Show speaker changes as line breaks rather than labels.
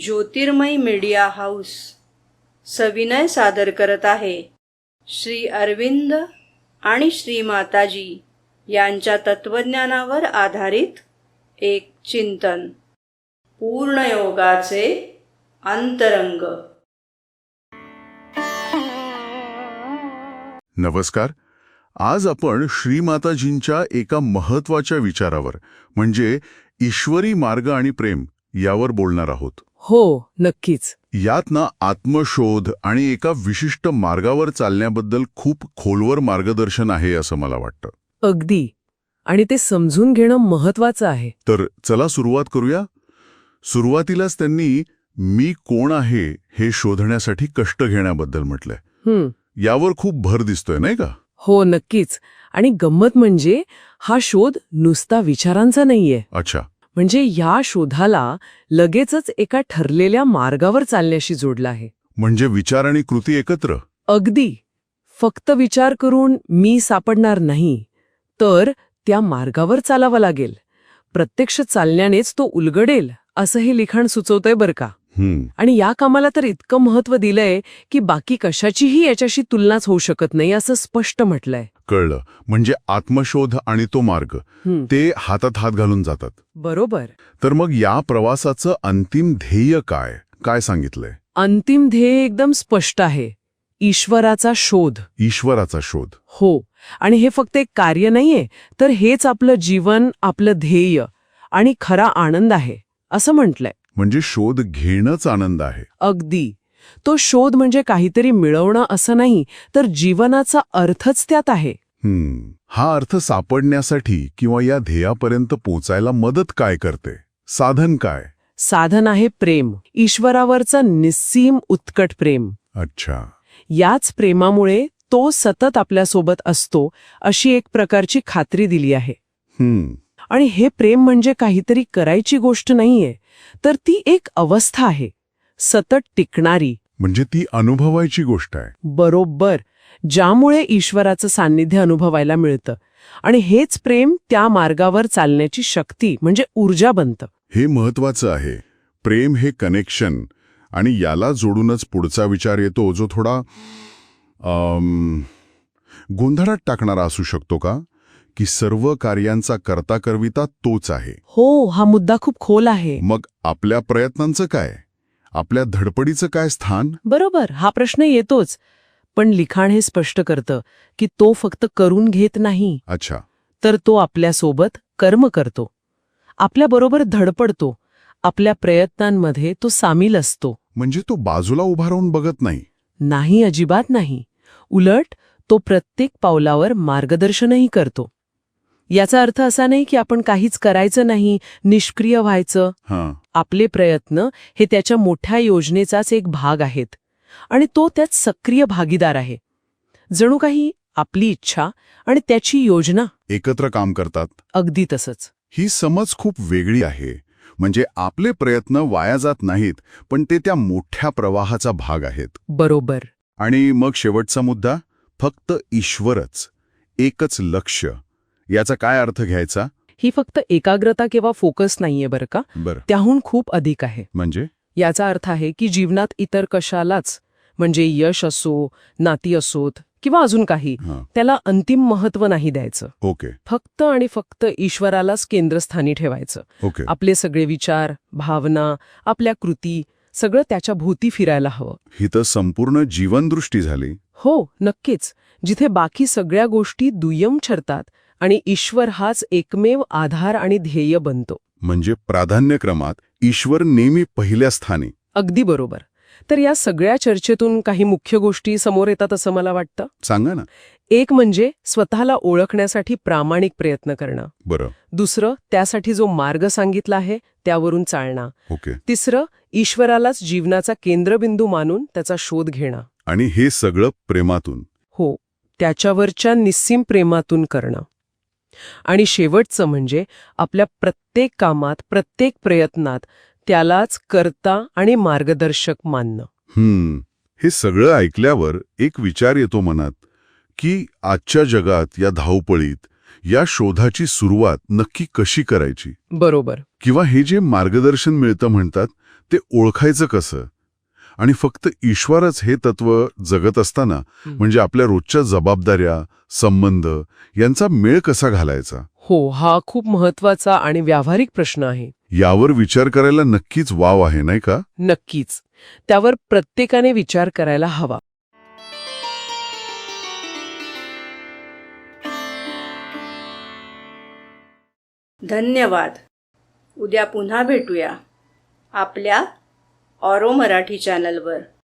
ज्योतिर्मय media house सविनय सादर करत आहे श्री अरविंद आणि श्री माताजी यांच्या तत्वज्ञानावर आधारित एक चिंतन, पूर्णयोगाचे अंतरंग.
नमस्कार. आज आपण श्रीमाताजींच्या एका महत्वाच्या विचारावर म्हणजे ईश्वरी मार्ग आणि प्रेम यावर बोलणार आहोत.
हो, नक्कीच.
यात ना आत्मशोध आणि एका विशिष्ट मार्गावर चालण्याबद्दल खूप खोलवर मार्गदर्शन आहे असं मला वाटतं.
अगदी. आणि ते समजून घेणं महत्वाचं आहे.
तर चला सुरुवात करूया. सुरुवातीलाच त्यांनी मी कोण आहे हे शोधण्यासाठी कष्ट घेण्याबद्दल म्हटलंय. यावर खूप भर दिसतोय नाही का?
हो, नक्कीच. आणि गंमत म्हणजे हा शोध नुसता विचारांचा नाहीये.
अच्छा.
म्हणजे या शोधाला लगेचच एका ठरलेल्या मार्गावर चालण्याशी जोडला आहे.
म्हणजे विचार आणि कृती एकत्र?
अगदी. फक्त विचार करून मी सापडणार नाही, तर त्या मार्गावर चालावं लागेल. प्रत्यक्ष चालण्यानेच तो उलगडेल असं हे लिखाण सुचवतंय बरं का. आणि या कामाला तर इतकं महत्व दिलंय की बाकी कशाचीही याच्याशी तुलनाच होऊ शकत नाही असं स्पष्ट म्हटलंय.
कळलं. म्हणजे आत्मशोध आणि तो मार्ग ते हातात हात घालून जातात.
बरोबर.
तर मग या प्रवासाचं अंतिम ध्येय काय काय सांगितलंय?
अंतिम ध्येय एकदम स्पष्ट आहे. ईश्वराचा शोध.
ईश्वराचा शोध.
हो. आणि हे फक्त एक कार्य नाहीये, तर हेच आपलं जीवन, आपलं ध्येय आणि खरा आनंद आहे असं म्हटलंय.
म्हणजे शोध घेणंच आनंद आहे.
अगदी. तो शोध म्हणजे काहीतरी मिळवणं असं नाही, तर जीवनाचा अर्थच त्यात आहे.
हा अर्थ सापडण्यासाठी किंवा या ध्येयापर्यंत पोचायला मदत काय करते? साधन काय?
साधन आहे प्रेम. ईश्वरावरचं निस्सीम उत्कट प्रेम.
अच्छा.
याच प्रेमामुळे तो सतत आपल्यासोबत असतो अशी एक प्रकारची खात्री दिली आहे. आणि हे प्रेम म्हणजे काहीतरी करायची गोष्ट नाहीये, तर ती एक अवस्था आहे, सतत टिकणारी.
म्हणजे ती अनुभवायची गोष्ट आहे.
बरोबर. ज्यामुळे ईश्वराचं सान्निध्य अनुभवायला मिळतं. आणि हेच प्रेम त्या मार्गावर चालण्याची शक्ती म्हणजे ऊर्जा बनतं.
हे महत्वाचं आहे. प्रेम हे कनेक्शन. आणि याला जोडूनच पुढचा विचार येतो जो थोडा गोंधळात टाकणारा असू शकतो का? की सर्व कार्यांचा कर्ता करविता तोच आहे.
हो, हा मुद्दा खूप खोल आहे.
मग आपल्या प्रयत्नांचं काय? आपल्या धडपडीचं काय स्थान?
बरोबर, हा प्रश्न येतोच. पण लिखाण हे स्पष्ट करतं की तो फक्त करून घेत नाही.
अच्छा.
तर तो आपल्यासोबत कर्म करतो, आपल्याबरोबर धडपडतो, आपल्या प्रयत्नांमध्ये तो सामील असतो.
म्हणजे तो बाजूला उभा राहून बघत नाही?
नाही, अजिबात नाही. उलट तो प्रत्येक पावलावर मार्गदर्शनही करतो. याचा अर्थ असा नाही की आपण काहीच करायचं नाही, निष्क्रिय व्हायचं. आपले प्रयत्न हे त्याच्या मोठ्या योजनेचाच एक भाग आहेत आणि तो त्यात सक्रिय भागीदार आहे. जणू काही आपली इच्छा आणि त्याची योजना
एकत्र काम करतात.
अगदी तसंच.
ही समज खूप वेगळी आहे. म्हणजे आपले प्रयत्न वाया जात नाहीत, पण ते त्या मोठ्या प्रवाहाचा भाग आहेत.
बरोबर.
आणि मग शेवटचा मुद्दा, फक्त ईश्वरच, एकच लक्ष्य. याचा काय अर्थ घ्यायचा?
ही फक्त एकाग्रता किंवा फोकस नाहीये बरं का. त्याहून खूप अधिक आहे.
म्हणजे
याचा अर्थ आहे की जीवनात इतर कशालाच, म्हणजे यश असो, नाती असोत किंवा अजून काही, त्याला अंतिम महत्व नाही द्यायचं.
ओके.
फक्त आणि फक्त ईश्वरालाच केंद्रस्थानी ठेवायचं.
ओके.
आपले सगळे विचार, भावना, आपल्या कृती सगळं त्याच्या भोवती फिरायला हवं.
ही तर संपूर्ण जीवनदृष्टी झाली.
हो, नक्कीच. जिथे बाकी सगळ्या गोष्टी दुय्यम ठरतात आणि ईश्वर हाच एकमेव आधार आणि ध्येय बनतो. म्हणजे
प्राधान्यक्रमात ईश्वर नेहमी पहिल्या स्थानी.
अगदी बरोबर. तर या सगळ्या चर्चेतून काही मुख्य गोष्टी समोर येतात असं मला वाटतं.
सांगा ना.
एक म्हणजे स्वतःला ओळखण्यासाठी प्रामाणिक प्रयत्न करणं.
बरं.
दुसरं, त्यासाठी जो मार्ग सांगितला आहे त्यावरून चालणं.
ओके.
तिसरं, ईश्वरालाच जीवनाचा केंद्रबिंदू मानून त्याचा शोध घेणं.
आणि हे सगळं प्रेमातून.
हो, त्याच्यावरच्या निस्सीम प्रेमातून करणं. आणि शेवटचं म्हणजे आपल्या प्रत्येक कामात, प्रत्येक प्रयत्नात त्यालाच कर्ता आणि मार्गदर्शक मानणं.
हे सगळं ऐकल्यावर एक विचार येतो मनात की आजच्या जगात, या धावपळीत, या शोधाची सुरुवात नक्की कशी करायची?
बरोबर.
किंवा हे जे मार्गदर्शन मिळतं म्हणतात ते ओळखायचं कसं? आणि फक्त ईश्वरच हे तत्व जगत असताना म्हणजे आपल्या रोजच्या जबाबदाऱ्या, संबंध यांचा मेळ कसा घालायचा?
हो, हा खूप महत्वाचा आणि व्यावहारिक प्रश्न आहे.
यावर विचार करायला नक्कीच वाव आहे, नाही का?
नक्कीच. त्यावर प्रत्येकाने विचार करायला हवा.
धन्यवाद. उद्या पुन्हा भेटूया आपल्या ऑरो मराठी चॅनलवर.